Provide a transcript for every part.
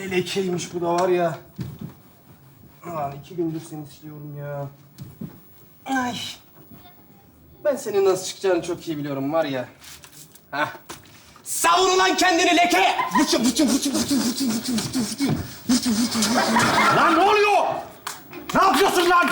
Ne lekeymiş bu da var ya. Ulan 2 gündür seni siliyorum ya. Ay. Ben senin nasıl çıkacağını çok iyi biliyorum var ya. Hah. Savun ulan kendini leke! Lan ne oluyor? Ne yapıyorsun lan?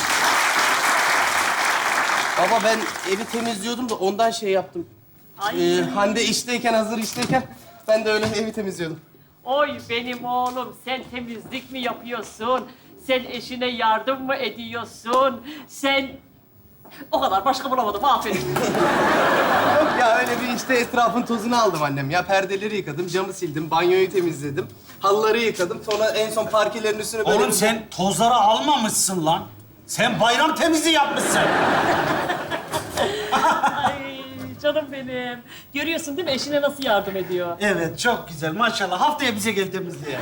Baba ben evi temizliyordum da ondan şey yaptım. Hande işteyken, hazır işteyken ben de öyle evi temizliyordum. Oy benim oğlum, sen temizlik mi yapıyorsun? Sen eşine yardım mı ediyorsun? Sen... O kadar, başka bulamadım, aferin. Yok ya öyle bir işte etrafın tozunu aldım annem ya. Perdeleri yıkadım, camı sildim, banyoyu temizledim. Halıları yıkadım. Sonra en son parkelerin üstüne böyle... Oğlum sen tozları almamışsın lan. Sen bayram temizliği yapmışsın. Ay canım benim. Görüyorsun değil mi eşine nasıl yardım ediyor? Evet, çok güzel. Maşallah. Haftaya bize gel temizliğe.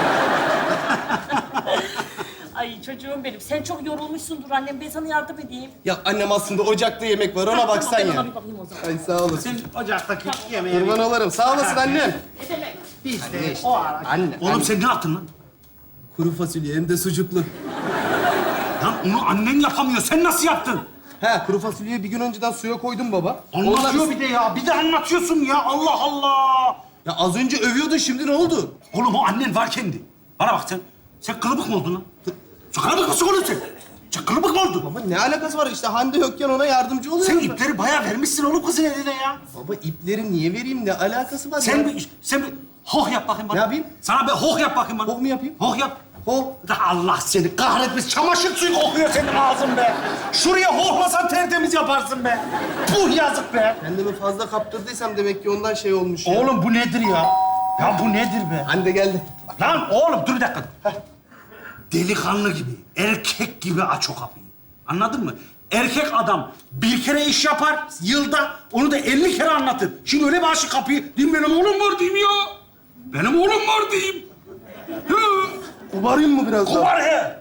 Ay çocuğum benim, sen çok yorulmuşsundur annem. Ben sana yardım edeyim. Ya annem aslında ocakta yemek var, ona baksan Tamam, ben ya. ona bir bakayım o zaman. Ay sağ olasın. Sen ocaktaki yemeği... Kurban olurum. Sağ olasın annem. Ne demek? Biz de Anne işte. O ara. Anne. Oğlum sen ne yaptın lan? Kuru fasulye hem de sucuklu. Lan onu annen yapamıyor. Sen nasıl yaptın? He, kuru fasulyeyi bir gün önceden suya koydum baba. Anlatıyor bir de ya. Bir de anlatıyorsun ya. Allah Allah. Ya az önce övüyordun, şimdi ne oldu? Oğlum o annen varkendi. Bana bak sen. Sen kılıbık mı oldun lan? Sen kılıbık mısın oğlum sen? Sen kılıbık mı oldun? Baba ne alakası var? İşte Hande yokken ona yardımcı Sen oluyorum ben. ipleri bayağı vermişsin oğlum kızın eline ya. Baba ipleri niye vereyim? Ne alakası var ya? Sen bir hoh yap bakayım bana. Ne yapayım? Sana bir hoh yap bakayım bana. Hoh mu yapayım? Hoh yap. Ho. Allah seni kahretmesin. Çamaşır suyu kokuyor senin ağzın be. Şuraya hohlasan tertemiz yaparsın be. Puh yazık be. Kendimi fazla kaptırdıysam demek ki ondan şey olmuş ya. Oğlum bu nedir ya? Ya bu nedir be? Hande geldi. Lan oğlum dur bir dakika. Delikanlı gibi, erkek gibi aç o kapıyı. Anladın mı? Erkek adam bir kere iş yapar yılda, onu da 50 kere anlatır. Şimdi öyle bir aç kapıyı, diyeyim benim oğlum var diyeyim ya. Benim oğlum var diyeyim. Hı. Kubarayım mı biraz daha? Kubar he.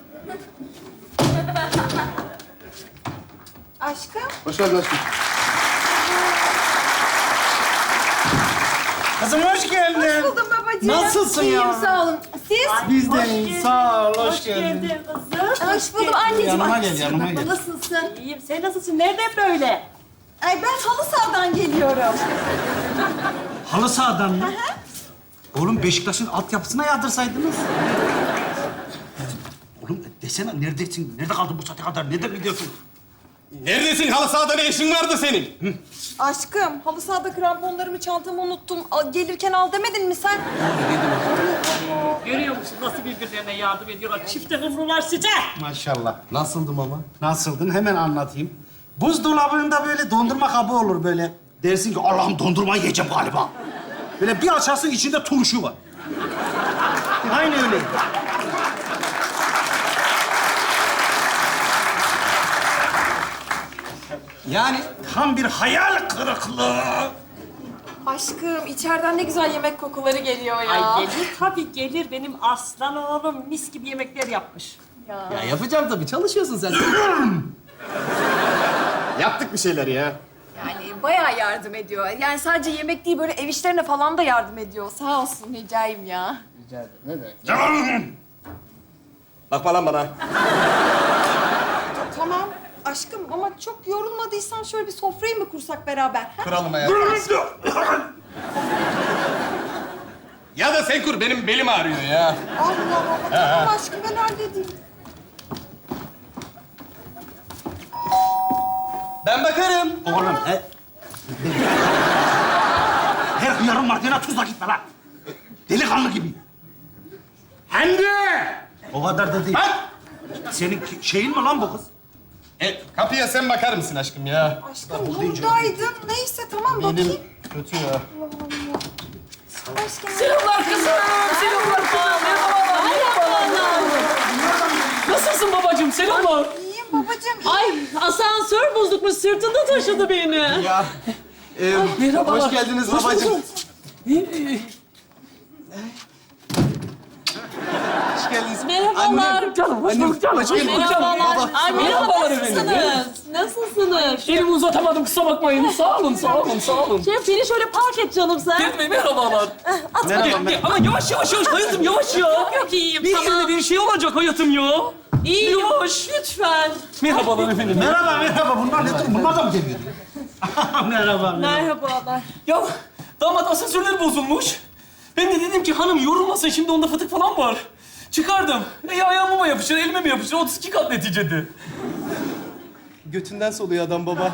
Aşkım. Hoş geldin aşkım. Kızım hoş geldin. Hoş buldum babacığım. Nasılsın İyiyim, ya? sağ olun. Siz? Biz de Hoş iyiyiz. geldin. Sağ ol, Hoş geldin kızım. Hoş buldum anneciğim. Yanıma Ay, gel, yanıma gel. Nasılsın? İyiyim, sen nasılsın? Nereden böyle? Ay ben halı sahadan geliyorum. Halı sahadan mı? Oğlum Beşiktaş'ın altyapısına yardırsaydınız. Oğlum desene neredesin? Nerede kaldın bu saate kadar? Nereden gidiyorsun? Neredesin? Halı sahada ne işin vardı senin? Aşkım halı sahada kramponlarımı çantamı unuttum. Gelirken al demedin mi sen? Görüyor musun nasıl birbirlerine yardım ediyorlar? Çifte hımrular sıcak. Maşallah. Nasıldım ama? Nasıldın? Hemen anlatayım. Buzdolabında böyle dondurma kabı olur böyle. Dersin ki Allah'ım dondurma yiyeceğim galiba. Böyle bir açarsın içinde turşu var. Aynı öyle. Yani Tam bir hayal kırıklığı. Aşkım içeriden ne güzel yemek kokuları geliyor ya. Ay gelir tabii gelir. Benim aslan oğlum mis gibi yemekler yapmış. ya yapacağım tabii. Çalışıyorsun sen. Yaptık bir şeyler ya. Yani bayağı yardım ediyor. Yani sadece yemek değil böyle ev işlerine falan da yardım ediyor. Sağ olsun Hicayim ya. Bakma lan bana. Tamam aşkım ama çok yorulmadıysan şöyle bir sofrayı mı kursak beraber? Ha? Kuralım ya. Ya da sen kur. Benim belim ağrıyor ya. Allah Allah. Tamam aşkım ben halledeyim. Ben bakarım. Oğlum her hıyarın madene tuzla gitme lan. Delikanlı gibi. Hande! O kadar da değil. Bak! Senin Şeyin mi lan bu kız? Kapıya sen bakar mısın aşkım ya? aşkım buradaydın. Neyse tamam bakayım. Benim kötü ya. Aşkım. Selamlar kızım. Selamlar. Merhaba. Nasılsın babacığım? Selamlar. İyiyim babacığım. Ay asansör bozukmuş. Sırtında taşıdı beni. Ya. merhabalar. Hoş geldiniz Hoş babacığım. bulduk. geldiniz. Merhabalar. Canım, hoş bulduk canım. Hoş bulduk canım. Merhabalar. Baba. Ay merhaba, Merhabalar efendim. nasılsınız? Nasılsınız? Elimi uzatamadım, kusura bakmayın. Sağ olun, sağ olun, sağ olun. Şef beni şöyle park et canım sen. Ferit Bey, merhabalar. Merhaba. Ama yavaş yavaş yavaş, hayatım yavaş ya. Yok iyiyim Bir tamam. yerine bir şey olacak hayatım ya. İyiyim. Yavaş. Lütfen. Merhabalar efendim. Merhaba, merhaba. Bunlar ne? Bunlar da mı geliyor? Merhaba, merhaba. Merhabalar. Ya damat asansörler bozulmuş. Ben de dedim ki hanım yorulmasın, şimdi onda fıtık falan var. Çıkardım. Ayağıma mı yapışır, elime mi yapışır? 32 kat neticede. Götünden soluyor adam baba.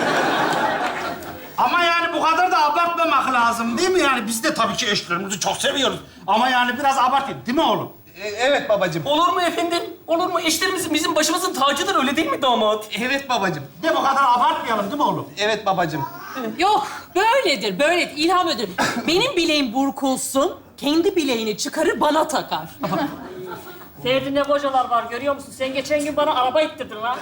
Ama yani bu kadar da abartmamak lazım değil mi? Yani biz de tabii ki eşlerimizi çok seviyoruz. Ama yani biraz abartın değil mi oğlum? Evet babacığım. Olur mu efendim? Olur mu? Eşlerimizin bizim başımızın tacıdır, öyle değil mi damat? Evet babacığım. De bu kadar abartmayalım değil mi oğlum? Evet babacığım. Yok böyledir böyledir. İlham ödül. Benim bileğim burkulsun. Kendi bileğini çıkarır bana takar. Ferdi ne kocalar var görüyor musun? Sen geçen gün bana araba ittirdin lan.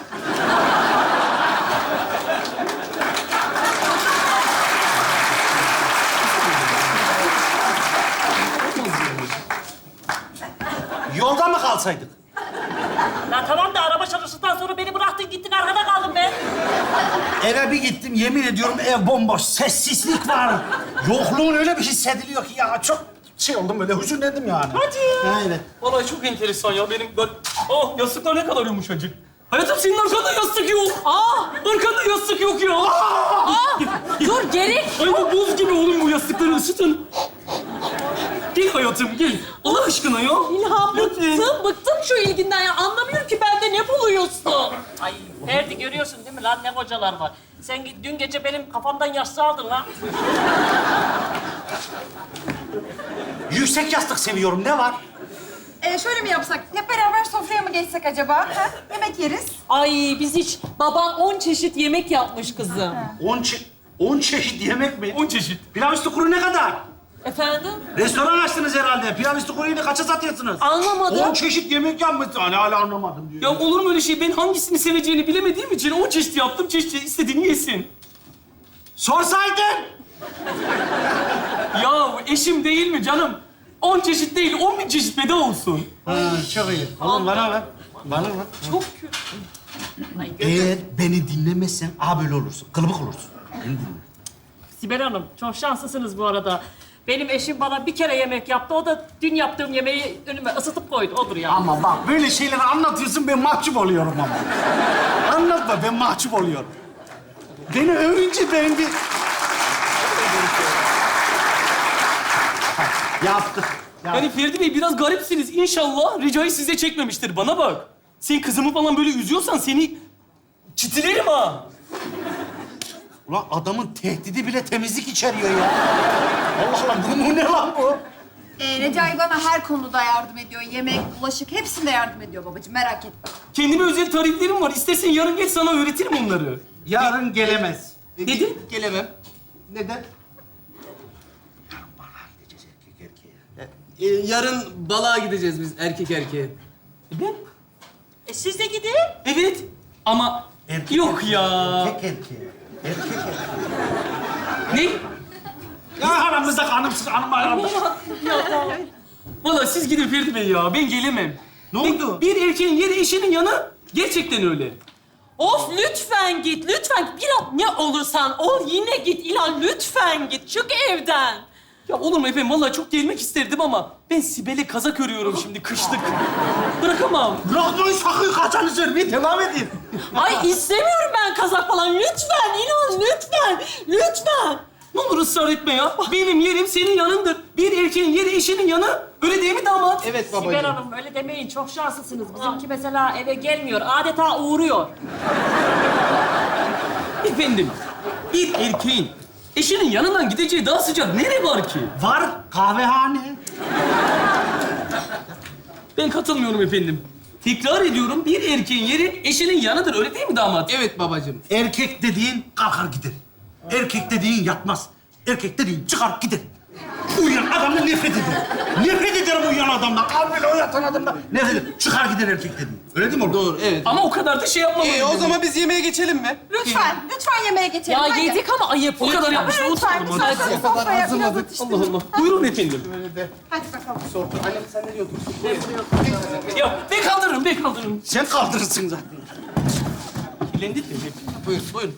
Yolda mı kalsaydık? Ya tamam da araba çalıştıktan sonra beni bıraktın gittin, arkada kaldım ben. Eve bir gittim, yemin ediyorum ev bomboş, sessizlik var. Yokluğun öyle bir hissediliyor ki ya çok şey oldum böyle, hüzünlendim yani. Hadi ya. Evet. Vallahi çok enteresan ya benim. Oh, yastıklar ne kadar yumuşacık. Hayatım senin arkanda yastık yok. Arkanda yastık yok ya. Dur gerek. Ay bu buz gibi oğlum, bu yastıkları ısıtın. Gel hayatım gel. Allah aşkına ya. İlham Lütfen. bıktım şu ilginden ya. Anlamıyorum ki bende ne buluyorsun? Ay Ferdi görüyorsun değil mi lan ne kocalar var. Sen dün gece benim kafamdan yastığı aldın lan. Yüksek yastık seviyorum, ne var? Şöyle mi yapsak? Hep beraber sofraya mı geçsek acaba? Ha? Yemek yeriz. Ay biz hiç... Baban 10 çeşit yemek yapmış kızım. 10 çeşit yemek mi? 10 çeşit. Pilav üstü kuru ne kadar? Efendim? Restoran açtınız herhalde. Pilav üstü kuruyu da kaça satıyorsunuz? Anlamadım. 10 çeşit yemek yapmışsın. Hani hala anlamadım diyor. Ya olur mu öyle şey? Ben hangisini seveceğini bilemediğim için 10 çeşit yaptım. Çeşit istediğini yesin. Sorsaydın. Ya eşim değil mi canım? 10 çeşit değil, 10.000 çeşit bedava olsun. Ha, çok iyi. Oğlum bana ver. Bana ver. Çok kötü. Eğer beni dinlemezsen böyle olursun. Kılıbık olursun. Beni dinle. Sibel Hanım, çok şanslısınız bu arada. Benim eşim bana bir kere yemek yaptı. O da dün yaptığım yemeği önüme ısıtıp koydu. Odur ya. Ama bak böyle şeyleri anlatıyorsun, ben mahcup oluyorum ama. Anlatma, ben mahcup oluyorum. Beni övünce ben bir... Yaptık. Yani Ferdi Bey biraz garipsiniz. İnşallah ricayı size çekmemiştir. Bana bak. Sen kızımı falan böyle üzüyorsan seni çitilerim ha. Ulan adamın tehdidi bile temizlik içeriyor ya. Allah Allah, bu ne lan bu? Recai bana her konuda yardım ediyor. Yemek, bulaşık hepsinde yardım ediyor babacığım. Merak etme. Kendime özel tariflerim var. İstersen yarın geç sana öğretirim onları. Yarın gelemez. Dedim. Gelemem. Neden? Yarın balığa gideceğiz biz erkek erkeğe. Ben? Siz de gidin. Evet. Ama Erkek yok ya. Erkek erkeğe. Erkek Ne? erkeğe. Ya aramızda hanımsız, hanım aramız. Vallahi siz gidin Ferdi Bey ya. Ben gelemem. Ne oldu? Bir erkeğin yeri eşinin yanı. Gerçekten öyle. Of lütfen git, lütfen. Bir ne olursan ol yine git İlhan. Lütfen git, çık evden. Ya olur mu efendim? Vallahi çok gelmek isterdim ama ben Sibel'e kazak örüyorum şimdi kışlık. Bırakamam. Bırakmayın sakın, kaçanı söylemeyin, devam edin. Ay istemiyorum ben kazak falan. Lütfen İlhan, lütfen. Lütfen. Ne olur ısrar etme ya. Benim yerim senin yanındır. Bir erkeğin yeri eşinin yanı. Öyle değil mi damat? Evet babacığım. Sibel Hanım öyle demeyin. Çok şanslısınız. Bizimki mesela eve gelmiyor. Adeta uğruyor. Efendim, bir erkeğin eşinin yanından gideceği daha sıcak nere var ki? Var, kahvehane. Ben katılmıyorum efendim. Tekrar ediyorum, bir erkeğin yeri eşinin yanıdır. Öyle değil mi damat? Evet babacığım. Erkek dediğin kalkar gider. Erkek dediğin yatmaz. Erkek dediğin çıkar gider. Uyuyan adamdan nefret ederim. Nefret ederim uyuyan adamdan. Al böyle uyatan adamdan. Nefret ederim. Çıkar gider erkek dedim. Öyle değil mi oğlum? Doğru, evet. Ama o kadar da şey yapmamalıyım. O zaman biz yemeğe geçelim mi? Lütfen yemeğe geçelim. Ya hadi. yedik ama ayıp. O kadar lütfen. yapmışlar. Lütfen, Oturalım lütfen. hadi. O kadar Sofraya biraz hazırladık. atıştırın. Allah Allah. Buyurun efendim. Böyle de Hadi bakalım. sofra. Annem sen nereye otursun? Ya ben kaldırırım, ben kaldırırım. Sen kaldırırsın zaten. Kirlendik mi? Buyurun, buyurun.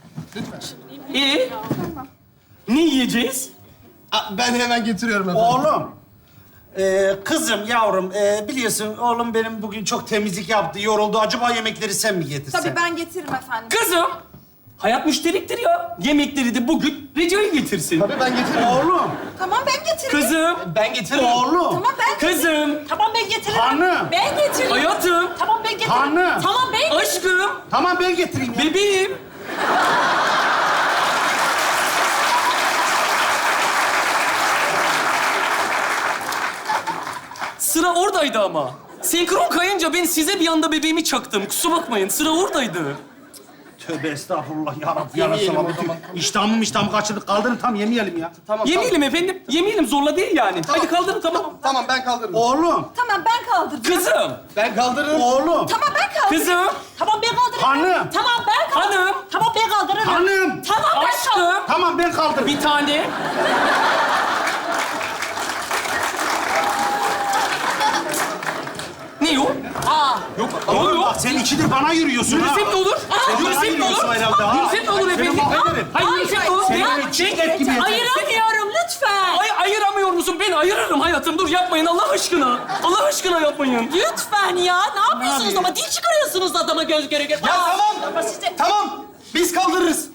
Ne yiyeceğiz? Ben hemen getiriyorum efendim. Oğlum. Kızım, yavrum, biliyorsun oğlum benim bugün çok temizlik yaptı, yoruldu. Acaba yemekleri sen mi getirsen? Tabii ben getiririm efendim. Kızım, hayat müşterektir ya. Yemekleri de bugün Recai getirsin. Tabii ben getiririm. Oğlum, Tamam ben getiririm. Kızım, Ben getiririm. oğlum, Tamam ben kızım, Tamam ben getiririm. hanım, Ben getiririm. hayatım, Tamam ben getiririm. hanım. Tamam ben aşkım, Tamam ben getireyim ya. bebeğim. Sıra oradaydı ama. Senkron kayınca ben size bir anda bebeğimi çaktım. Kusura bakmayın, sıra oradaydı. Tövbe estağfurullah ya Rabbi. Yemeyelim Yarasana o zaman. İştahımı kaçırdık. Kaldırın tam yemeyelim ya. Tamam, Yemeyelim efendim, yemeyelim. Zorla değil yani. Hadi kaldırın, tamam. Tamam, ben kaldırırım. Oğlum, Tamam ben kaldıracağım. Kızım, Ben kaldırırım. oğlum, Tamam ben kaldırırım. kızım, Tamam ben kaldırırım. hanım, Tamam ben kaldırırım. hanım, Tamam ben kaldırırım. hanım. Tamam ben kaldırırım. aşkım. Tamam ben kaldırırım. Bir tane. Ne o? Aa. Yok. Ne Oğlum oluyor? bak sen ikidir bana yürüyorsun ha. Yürüsem ne olur? Sen bana Yürüsem ne yürüyorsun olur? herhalde ha. Yürüsem ne olur Seni efendim? mahvederim. Hayır, yürüsem ne olur? Seni Ben- böyle çiğnet gibi yeter. Ayıramıyorum lütfen. Ay, ayıramıyor musun? Ben ayırırım hayatım. Dur yapmayın Allah aşkına. Allah aşkına yapmayın. Lütfen ya. Ne yapıyorsunuz yapayım? ama? Dil çıkarıyorsunuz adama göz göre göre. Ya Aa, tamam. ama size- Tamam. Biz kaldırırız.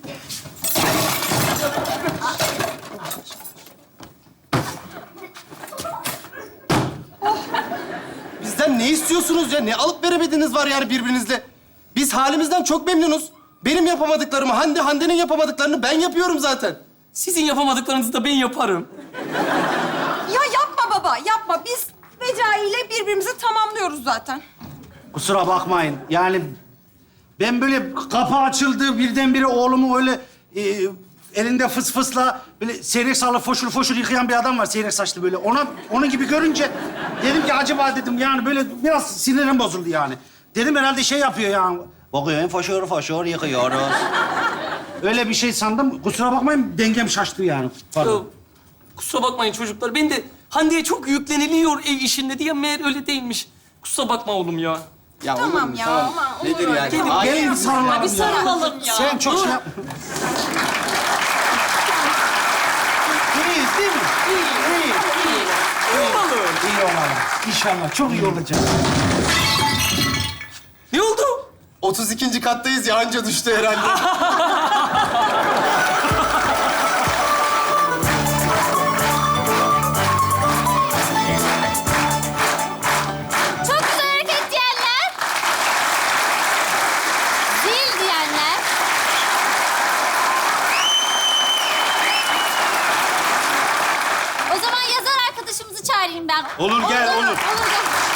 Bizden ne istiyorsunuz ya? Ne alıp veremediğiniz var yani birbirinizle? Biz halimizden çok memnunuz. Benim yapamadıklarımı, Hande'nin yapamadıklarını ben yapıyorum zaten. Sizin yapamadıklarınızı da ben yaparım. Ya yapma baba yapma. Biz Recai ile birbirimizi tamamlıyoruz zaten. Kusura bakmayın. Yani ben böyle kapı açıldı birdenbire oğlumu öyle elinde fıs fısla böyle seyrek saçlı foşur foşur yıkayan bir adam var seyrek saçlı böyle. Onun gibi görünce dedim ki acaba dedim yani böyle biraz sinirim bozuldu yani. Dedim herhalde şey yapıyor yani. Bakıyorum foşur foşur yıkıyoruz. Öyle bir şey sandım. Kusura bakmayın dengem şaştı yani. Ya, Pardon. kusura bakmayın çocuklar. Ben de Hande'ye çok yükleniliyor ev işinde diye meğer öyle değilmiş. Kusura bakma oğlum ya. Ya Tamam olur mu? ya, Tamam. aman, olur Nedir öyle. yani? Gelin, Ay, Gelin sarılalım Ya bir ya. sarılalım ya. Sen çok şey yapma. İyiyiz değil mi? İyi. İyi olalım. İnşallah çok iyi olacak. Ne oldu? 32. kattayız ya anca düştü herhalde. Çok güzel hareket diyenler. Zil diyenler. O zaman yazar arkadaşımızı çağırayım ben. Olur, gel, olur. Olur gel.